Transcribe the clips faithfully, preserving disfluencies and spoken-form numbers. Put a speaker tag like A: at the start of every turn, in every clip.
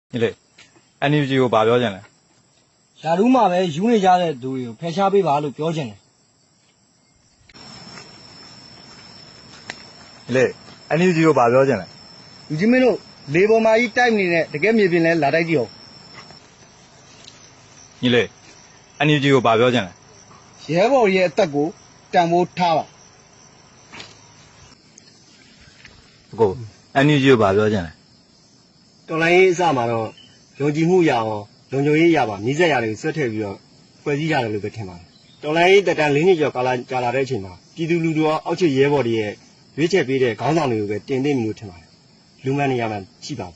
A: 你嘞，俺女就把表进来。
B: ရာထူးမှာပဲယူနေကြတဲ့သူတွေကိုဖယ်ရှားပေးပါလို့ပြောချင်တယ်
A: 你嘞，俺女就把表进来。
B: လူကြီးမင်းတို့လေပေါ်မှာကြီးတိုက်နေတဲ့တကယ်မြေပြင်လဲလာတိုက်ကြည့်အောင်
A: 你嘞，俺女就把表进来。
B: ရဲဘော်ရဲ့အသက်ကိုတန်ဖိုးထားပါ
A: 不过，俺女就把表进来。
B: တော်လိုင်းရေးအစမှာတော့ယုံကြည်မှုရအောင်လုံခြုံရေးရပါမြစ်ဆက်ရတယ်ဆွတ်ထည့်ပြီးတော့ဖွဲ့စည်းရတယ်လို့ပဲထင်ပါတယ်တော်လိုင်းရေးတက်တန်းလေးနှစ်ကျော်ကာလကြာလာတဲ့အချိန်မှာပြည်သူလူထုရောအောက်ခြေရဲဘော်တွေရဲ့ရွေးချယ်ပေးတဲ့ခေါင်းဆောင်တွေကိုပဲတင်သိမလို့ထင်ပါတယ်လူမှန်နေရာမှရှိပါဘူး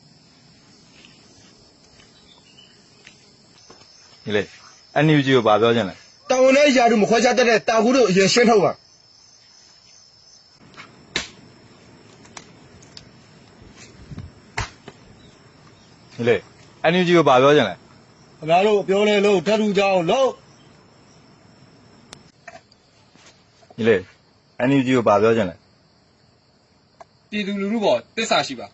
A: 你嘞，俺女就把表进来。
B: တာဝန်နဲ့ရာထူးမခွဲခြားတတ်တဲ့တာကူတို့အရင်ရှင်းထုတ်ပါ
A: 你嘞，俺女就把表进来。
B: ခင်ဗျားတို့ပြောလဲလို့ဓာတ်ထူကြအောင်လို့
A: 你嘞，俺女就把表进来。
C: ပြည်သူလူထုပေါ်တစ္ဆာရှိပါ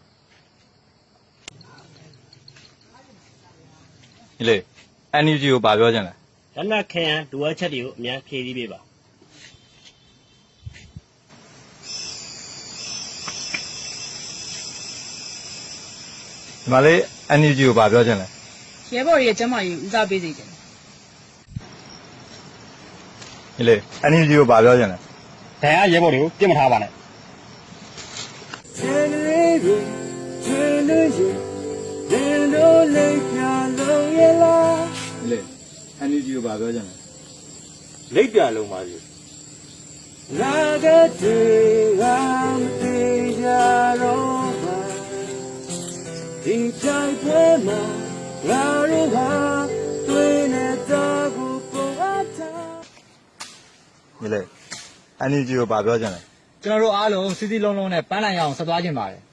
A: 你嘞，俺女就把表进来。
D: လက်နက်ခဲယံဒူဝါချက်တွေကိုအများဖြည့်ဆည်းပေးပါ
A: 你妈嘞，俺女就把表进来。
E: ရဲဘော်ရဲ့ကျမ်းမာရေးဦးစားပေးစေချင်တယ်
A: 你嘞，俺女就把表进来。
D: ဒဏ်ရာရဲဘော်တွေကိုပြစ်မထားပါနဲ့
A: 你嘞，俺女就把表进来。
D: လိပ်ပြန်လုံးပါစီ
B: လာကတဲ့ငါမသေးကြတော့ပါဒီတိုင်းပဲမှာငါတို့ဟာတွေ့နေတဲ့ကိုပုံအပ်တာ
A: 你嘞，俺女就把表进来。
F: ကျွန်တော်တို့အားလုံးစီစီလုံးလုံးနဲ့ပန်းလိုက်ရအောင်ဆက်သွားခြင်းပါတယ်